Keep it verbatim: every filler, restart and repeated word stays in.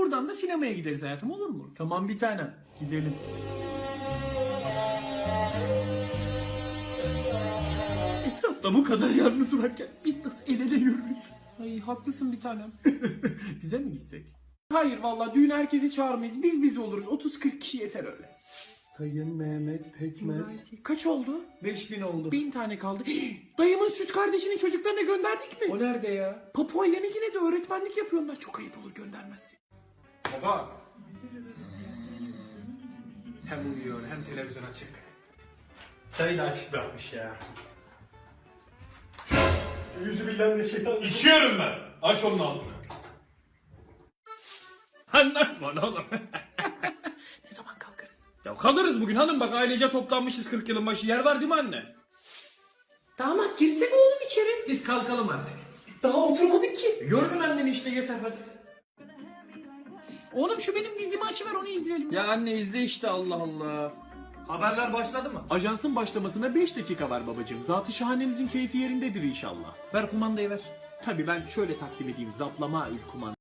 Oradan da sinemaya gideriz hayatım, olur mu? Tamam bir tanem. Gidelim. Etrafta bu kadar yalnız varken biz nasıl el ele yürürüz? Ay haklısın bir tanem. Bize mi gitsek? Hayır vallahi düğün herkesi çağırmayız. Biz biz oluruz. otuz kırk kişi yeter öyle. Sayın Mehmet Pekmez. Kaç oldu? beş bin oldu. Bin tane kaldı. Dayımın süt kardeşinin çocuklarına gönderdik mi? O nerede ya? Papua Yeni Gine'de öğretmenlik yapıyorlar. Çok ayıp olur göndermezsin. Baba. Hem uyuyor hem televizyon açık. Çayı da açık bırakmış ya. Yüzü bilen de şeytan. İçiyorum ben. Aç onun altını. Anlatma oğlum. Ne zaman kalkarız? Ya kalırız bugün hanım, bak ailece toplanmışız kırk yılın başı. Yer var değil mi anne? Damat girsek oğlum içeri. Biz kalkalım artık. Daha oturmadık ki. Gördün anneni işte, yeter hadi. Oğlum şu benim dizimi açıver, onu izleyelim. Ya anne izle işte, Allah Allah. Haberler başladı mı? Ajansın başlamasına beş dakika var babacığım. Zat-ı şahanenizin keyfi yerindedir inşallah. Ver kumandayı ver. Tabii ben şöyle takdim edeyim. Zaplama ül kumanda.